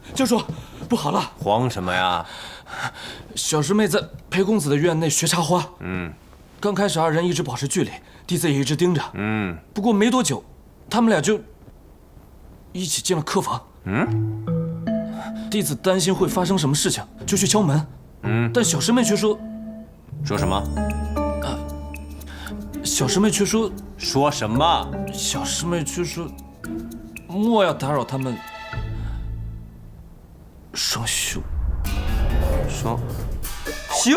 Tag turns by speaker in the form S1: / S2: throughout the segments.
S1: 教主，不好了！
S2: 慌什么呀？
S1: 小师妹在裴公子的院内学插花。刚开始二人一直保持距离，弟子也一直盯着。不过没多久，他们俩就一起进了客房。弟子担心会发生什么事情，就去敲门。但小师妹却说
S2: 什么？
S1: 小师妹却说
S2: 什么？
S1: 小师妹却说莫要打扰他们双修。
S2: 双修？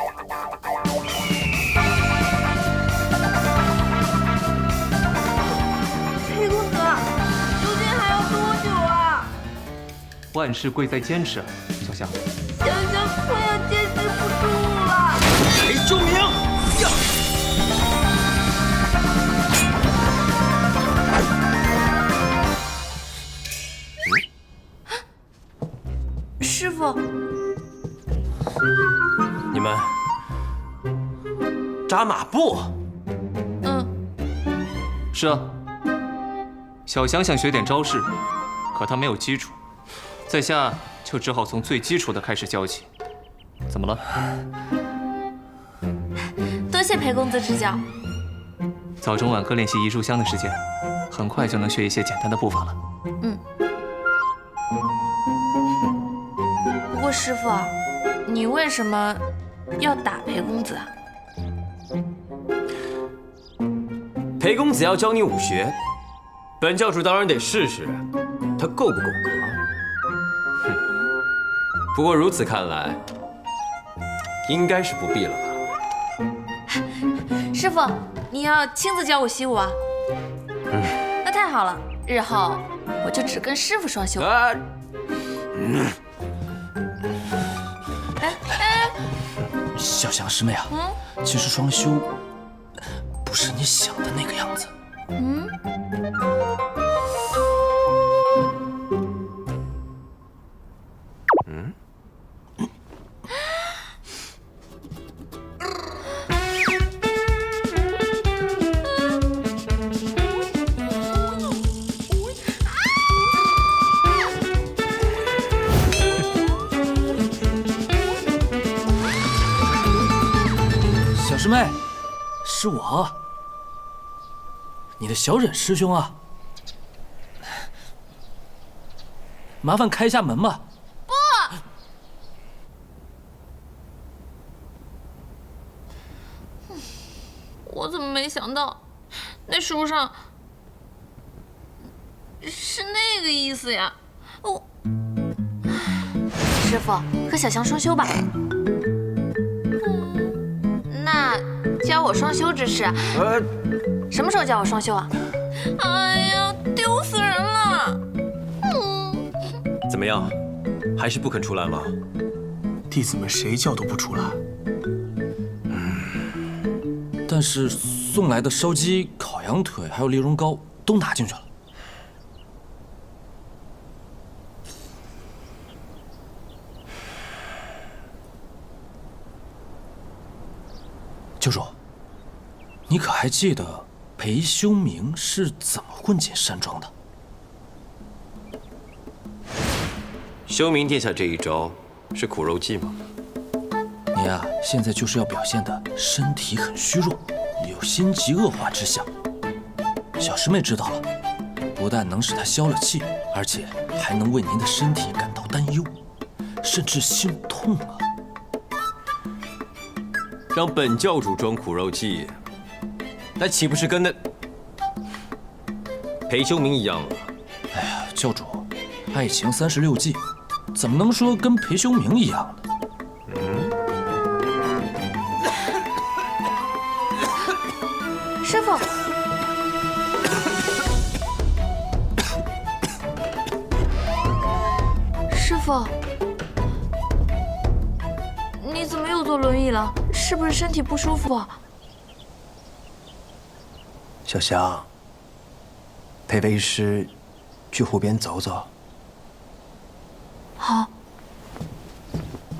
S3: 裴公子，究竟还要多久啊？
S4: 万事贵在坚持，小香。
S3: 香香快要坚持不住了。
S2: 裴秋明呀！
S3: 师傅，
S2: 你们扎马步？
S4: 是啊，小翔想学点招式，可他没有基础，在下就只好从最基础的开始教起。怎么了？
S3: 多谢裴公子指教。
S4: 早中晚各练习移炷香的时间，很快就能学一些简单的步伐了。
S3: 不过师傅，你为什么要打裴公子啊？
S2: 裴公子要教你武学，本教主当然得试试他够不够格。不过如此看来，应该是不必了吧？
S3: 师傅，你要亲自教我习武啊？那太好了，日后我就只跟师傅双修。
S1: 小翔师妹啊，其实双修不是你想的那个样子。小师妹，是我，你的小忍师兄啊，麻烦开一下门吧。
S3: 我怎么没想到，那书上是那个意思呀？师傅，和小翔双修吧。那教我双修之事，什么时候教我双修啊？哎呀，丢死人了！
S2: 怎么样，还是不肯出来吗？
S5: 弟子们谁叫都不出来。
S1: 但是送来的烧鸡、烤羊腿还有丽蓉糕都拿进去了。教主，你可还记得裴修明是怎么混进山庄的？
S2: 修明殿下这一招是苦肉计吗？
S1: 你呀，现在就是要表现的身体很虚弱，有心急恶化之象。小师妹知道了，不但能使她消了气，而且还能为您的身体感到担忧，甚至心痛啊！
S2: 让本教主装苦肉计，那岂不是跟那裴修明一样了？
S1: 哎呀，教主，爱情36计，怎么能说跟裴修明一样呢？
S3: 师傅，师傅，你怎么又坐轮椅了？是不是身体不舒服啊？
S5: 小翔，陪为师去湖边走走。
S3: 好。